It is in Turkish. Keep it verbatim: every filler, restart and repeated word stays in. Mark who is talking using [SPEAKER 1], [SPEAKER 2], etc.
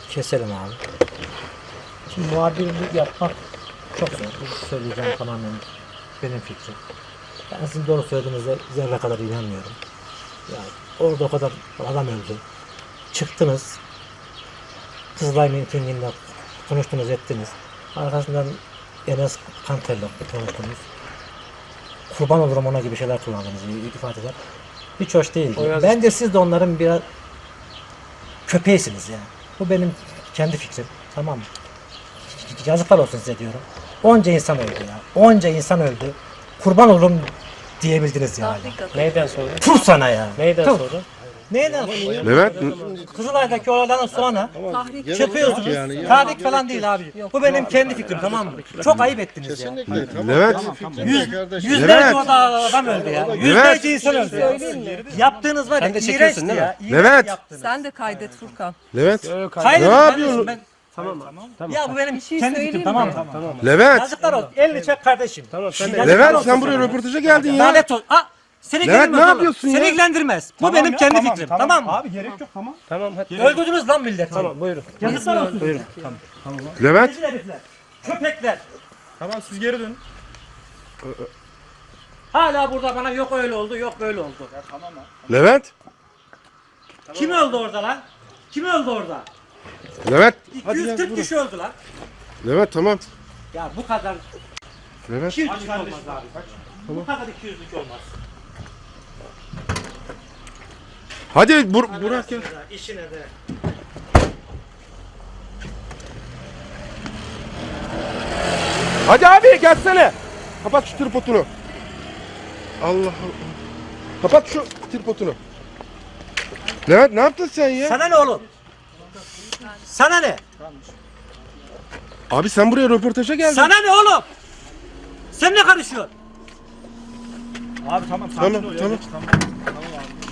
[SPEAKER 1] Keselim abi. Şimdi muhabirlik yapmak çok zor. Bu söyleyeceğim tamamen benim fikrim. Ben sizin doğru söylediğinize zerre kadar inanmıyorum. Yani orada o kadar adam öldü. Çıktınız. Kızılay mitinginde konuştunuz, ettiniz. Arkasından Enes Kanter'le konuştunuz. Kurban olurum ona gibi şeyler kullandınız, ifadeler. Hiç hoş değil. Bence siz de onların biraz köpeğisiniz yani. Bu benim kendi fikrim. Tamam mı? Yazıklar olsun size diyorum. Onca insan öldü ya. Onca insan öldü. Kurban olurum diyebildiniz yani.
[SPEAKER 2] Neyden sonra?
[SPEAKER 1] Tur sana ya.
[SPEAKER 2] Neyden
[SPEAKER 1] Tur.
[SPEAKER 2] sonra?
[SPEAKER 1] Neyden sonra?
[SPEAKER 3] Levent
[SPEAKER 1] Kızılay'daki olaylardan sonra çıkıyorsunuz. Tahrik falan değil abi. Bu benim kendi fikrim, tamam mı? Çok ayıp ettiniz ya.
[SPEAKER 3] Levent
[SPEAKER 1] Yüz, yüzlerce orada adam öldü ya. Yüzlerce insan öldü ya. Yaptığınız var ya,
[SPEAKER 2] Sen de çekiyorsun
[SPEAKER 1] iğrençti
[SPEAKER 2] değil mi?
[SPEAKER 1] ya. iğrenç
[SPEAKER 3] Levent.
[SPEAKER 1] yaptınız.
[SPEAKER 4] Sen de kaydet Furkan.
[SPEAKER 3] Levent
[SPEAKER 1] Hayır,
[SPEAKER 3] Ne
[SPEAKER 1] ben-
[SPEAKER 3] yapıyorsun?
[SPEAKER 1] Ben,
[SPEAKER 2] Tamam. Tamam.
[SPEAKER 1] ya bu benim
[SPEAKER 4] şey
[SPEAKER 1] kendi
[SPEAKER 4] söyleyeyim
[SPEAKER 1] fikrim, tamam
[SPEAKER 4] mi?
[SPEAKER 1] mı?
[SPEAKER 2] Tamam.
[SPEAKER 3] Levent
[SPEAKER 1] Yazıklar olsun. Elini çek kardeşim.
[SPEAKER 2] Tamam sen de.
[SPEAKER 1] Yazıklar
[SPEAKER 3] Levent
[SPEAKER 1] olsun
[SPEAKER 3] sen buraya
[SPEAKER 1] sana.
[SPEAKER 3] röportaja geldin ya.
[SPEAKER 1] Lanet olsun. Aa, seni
[SPEAKER 3] Levent,
[SPEAKER 1] ilgilendirmez
[SPEAKER 3] ne
[SPEAKER 1] oğlum.
[SPEAKER 3] yapıyorsun ya?
[SPEAKER 1] Seni ilgilendirmez. Bu benim kendi fikrim. Tamam, mı?
[SPEAKER 5] Abi gerek yok, tamam.
[SPEAKER 2] Tamam hadi.
[SPEAKER 1] Öldürdünüz lan milleti.
[SPEAKER 2] Tamam buyurun.
[SPEAKER 1] Yazıklar olsun.
[SPEAKER 2] Buyurun.
[SPEAKER 3] Levent
[SPEAKER 1] Rezil herifler. Köpekler.
[SPEAKER 5] Tamam, siz geri dönün.
[SPEAKER 1] Hala burada bana yok öyle oldu, yok böyle oldu.
[SPEAKER 3] Levent
[SPEAKER 1] Kim öldü orada lan? Kim öldü orada?
[SPEAKER 3] Levent
[SPEAKER 1] iki yüz kırk kişi öldü lan.
[SPEAKER 3] Levent tamam.
[SPEAKER 1] Ya bu kadar
[SPEAKER 3] Levent
[SPEAKER 1] iki yüzlük olmaz abi. Bu kadar iki yüzlük olmaz.
[SPEAKER 3] hadi Bur Burak ya.
[SPEAKER 1] İşine de.
[SPEAKER 3] Hadi abi gelsene. Kapat şu tripodunu. Allah Allah. Kapat şu tripodunu. Levent ne yaptın sen ya?
[SPEAKER 1] Sana ne oğlum? Sana ne?
[SPEAKER 3] Abi sen buraya röportaja geldin.
[SPEAKER 1] Sana ne oğlum? Sen ne karışıyorsun?
[SPEAKER 5] Abi tamam, sakin
[SPEAKER 3] Tamam,
[SPEAKER 5] ol ya.
[SPEAKER 3] tamam.
[SPEAKER 5] Tamam. Tamam abi.